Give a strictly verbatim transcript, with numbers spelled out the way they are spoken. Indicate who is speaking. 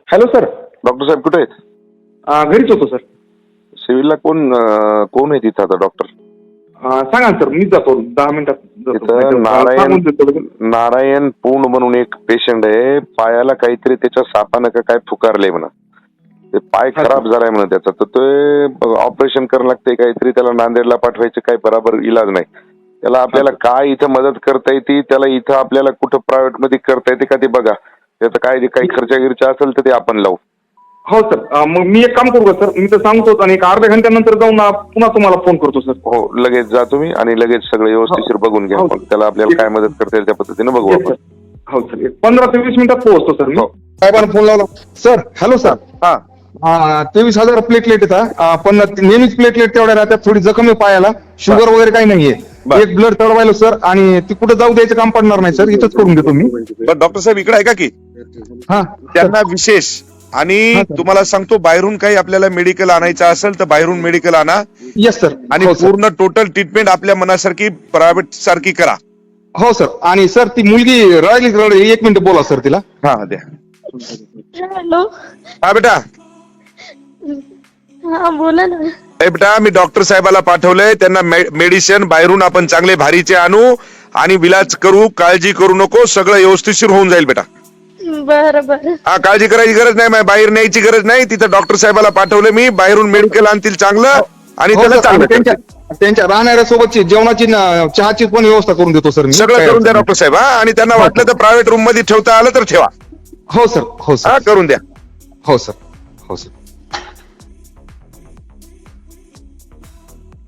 Speaker 1: Hello sir.
Speaker 2: Doctor साहेब कुठे आहेत?
Speaker 1: अं, घरीच होतो सर.
Speaker 2: सिव्हिलला कोण अं, कोण आहे तिथं आता डॉक्टर?
Speaker 1: अं, सांगा ना सर, मी जातो दहा मिनिटात जातो.
Speaker 2: तिथं
Speaker 1: नाहीतर, अं,
Speaker 2: नारायण
Speaker 1: सांगून देतो लगेच.
Speaker 2: नारायण पूर्ण म्हणून एक पेशंट आहे. पायाला काहीतरी त्याच्या सापानं का काय फुकारलंय म्हणा. ते पाय
Speaker 1: हा,
Speaker 2: खराब झालाय म्हणा त्याचा, तर ते ऑपरेशन करावं लागतंय काहीतरी. त्याला नांदेडला पाठवायचं, काही बराबर इलाज नाही त्याला. आपल्याला काय इथं मदत करता येते त्याला, इथं आपल्याला कुठं प्रायव्हेट मध्ये करता येते का ते बघा. त्याचं काय काही खर्च गिर्चा असेल तर ते आपण लावू.
Speaker 1: हो सर. अं, मग मी एक काम करू का सर, मी तर सांगतो आणि एक अर्ध्या घंट्यानंतर जाऊन अं, पुन्हा तुम्हाला फोन करतो सर.
Speaker 2: हो, लगेच जा तुम्ही आणि लगेच सगळं व्यवस्थिशीर बघून घ्या.
Speaker 1: हो,
Speaker 2: मग त्याला आपल्याला काय मदत करता येईल त्या पद्धतीने बघू
Speaker 1: Yes,
Speaker 2: आपण.
Speaker 1: sir. हो सर, एक पंधरा ते वीस मिनिटात पोहोचतो सर मी.
Speaker 2: हो.
Speaker 3: साहेबांना फोन लावला. Sir hello sir.
Speaker 2: हा
Speaker 3: हा तेवीस हजार प्लेटलेट येतात, पण नेहमीच प्लेटलेट तेवढ्या राहतात. थोडी जखम आहे पायाला, शुगर वगैरे काही नाहीये.
Speaker 2: बर.
Speaker 3: एक ब्लड चढवायला सर, आणि ती कुठे जाऊ द्यायचं काम पडणार नाही सर, इथंच करून देतो मी.
Speaker 4: पण डॉक्टर साहेब इकडे आहे का की
Speaker 3: हा
Speaker 4: त्यांना विशेष आणि
Speaker 3: हा, सर.
Speaker 4: तुम्हाला सांगतो, बाहेरून काही आपल्याला मेडिकल आणायचं असेल तर बाहेरून मेडिकल आणा
Speaker 3: येस सर.
Speaker 4: आणि
Speaker 3: हो सर.
Speaker 4: पूर्ण टोटल ट्रीटमेंट आपल्या मनासारखी प्रायव्हेट सारखी करा.
Speaker 3: हो सर. आणि सर ती मुलगी राहिली रडली, एक मिनिट बोला सर तिला.
Speaker 4: हा द्या.
Speaker 5: हॅलो.
Speaker 4: हा बेटा,
Speaker 5: हा बोला ना.
Speaker 4: ए बेटा, मी डॉक्टर साहेबाला पाठवलंय. त्यांना मेडिसिन बाहेरून आपण चांगले भारीचे आणू आणि विलाज करू. काळजी करू नको, सगळं व्यवस्थितशीर होऊन जाईल बेटा.
Speaker 5: बरं बरं.
Speaker 4: हा, काळजी करायची गरज नाही, मा- बाहेर न्यायची गरज नाही. तिथं डॉक्टर साहेबाला पाठवलं मी, बाहेरून मेडिकल आणतील चांगलं आणि
Speaker 3: हो
Speaker 4: त्याला
Speaker 3: सर,
Speaker 4: चांगलं
Speaker 3: आणि त्यांच्या
Speaker 4: करतील.
Speaker 3: त्यांच्या राहणाऱ्या सोबतची जेवणाची न- चहाची पण व्यवस्था करून देतो सर मी.
Speaker 4: सगळं करून द्या डॉक्टर साहेब. हा, आणि त्यांना वाटलं तर प्रायव्हेट रूम मध्ये ठेवता आलं तर ठेवा.
Speaker 3: हो सर. हो
Speaker 4: हा,
Speaker 3: सर.
Speaker 4: करून द्या.
Speaker 3: हो सर. हो सर.